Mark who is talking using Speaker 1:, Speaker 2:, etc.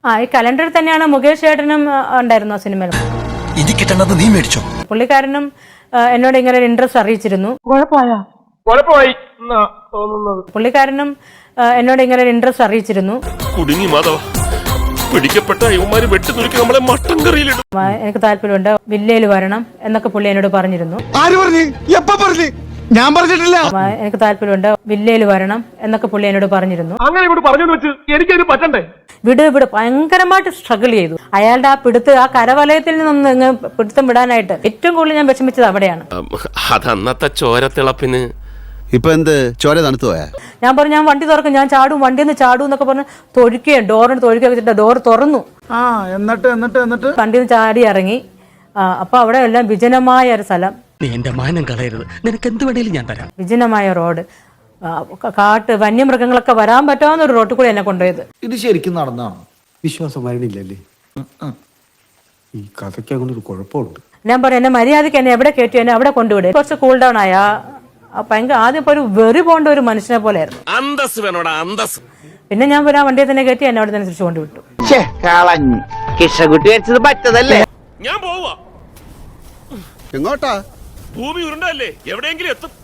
Speaker 1: ഈ കലണ്ടറിൽ തന്നെയാണ് മുകേഷ് ഏട്ടനും ഉണ്ടായിരുന്നു ആ സിനിമയിൽ.
Speaker 2: നീ മേടിച്ചോ?
Speaker 1: പുള്ളിക്കാരനും എന്നോട് ഇങ്ങനെ ഒരു ഇൻട്രസ്റ്റ് അറിയിച്ചിരുന്നു. പുള്ളിക്കാരനും എന്നോട് ഇങ്ങനെ ഒരു ഇൻട്രസ്റ്റ് അറിയിച്ചിരുന്നു. എനിക്ക് താല്പര്യമുണ്ട്, വില്ലയിൽ വരണം എന്നൊക്കെ പുള്ളി എന്നോട് പറഞ്ഞിരുന്നു.
Speaker 2: ഞാൻ പറഞ്ഞിട്ടില്ല.
Speaker 1: എനിക്ക് താല്പര്യമുണ്ട്, വില്ലയിൽ വരണം എന്നൊക്കെ പുള്ളി എന്നോട് പറഞ്ഞിരുന്നു. വിട് ഭയങ്കരമായിട്ട് സ്ട്രഗിൾ ചെയ്തു. അയാളുടെ ആ ആ കരവലയത്തിൽ നിന്ന് പിടുത്തം വിടാനായിട്ട് ഏറ്റവും കൂടുതൽ ഞാൻ വിഷമിച്ചത് അവിടെയാണ്.
Speaker 3: അതന്നത്തെ ചോരത്തിളപ്പിന്
Speaker 2: ഇപ്പൊ എന്ത് ചോര തണുത്തു പോയാ?
Speaker 1: ഞാൻ പറഞ്ഞു ഞാൻ വണ്ടി തുറക്കും, ഞാൻ ചാടും, വണ്ടിയിൽ നിന്ന് ചാടും എന്നൊക്കെ പറഞ്ഞ് തൊഴിക്കുകയും ഡോറിന് തൊഴിക്കുക വെച്ചിട്ട് ഡോർ തുറന്നു.
Speaker 2: എന്നിട്ട്
Speaker 1: വണ്ടിയിൽ നിന്ന് ചാടി ഇറങ്ങി. അപ്പൊ അവിടെ എല്ലാം വിജനമായ ഒരു സ്ഥലം.
Speaker 4: നീ എന്റെ മാനം കളയരുത്, നിനക്ക് എന്ത് വേണേലും ഞാൻ തരാം.
Speaker 1: വിജനമായ റോഡ്, കാട്ട്, വന്യമൃഗങ്ങളൊക്കെ വരാൻ പറ്റാവുന്ന ഒരു റോട്ടിൽ കൂടി എന്നെ കൊണ്ടുപോയത്.
Speaker 5: ഇത് ശരിക്കും നടന്നാണോ?
Speaker 6: വിശ്വാസം വരണില്ലല്ലേ? ഈ കഥയ്ക്ക് അങ്ങനെ ഒരു കുഴപ്പമുണ്ട്.
Speaker 1: ഞാൻ പറഞ്ഞു എന്നെ മര്യാദയ്ക്ക് എന്നെ എവിടെ കയറ്റി എന്നെ അവിടെ കൊണ്ടുവിടും. കുറച്ച് കൂൾ ഡൗൺ ആയ ഭയങ്കര ആദ്യം ഇപ്പൊ ഒരു വെറി പോണ്ട ഒരു മനുഷ്യനെ പോലെയായിരുന്നു.
Speaker 3: അന്തസ് വേണോടാ അന്തസ്.
Speaker 1: പിന്നെ ഞാൻ ആ വണ്ടിയെ തന്നെ കയറ്റി എന്നെ അവിടെ തന്നെ തിരിച്ചു കൊണ്ടുവിട്ടു.
Speaker 3: ഞാൻ പോവാ.
Speaker 2: എങ്ങോട്ടാ?
Speaker 3: ഭൂമി ഉരുണ്ടല്ലേ, എവിടെയെങ്കിലും എത്തും.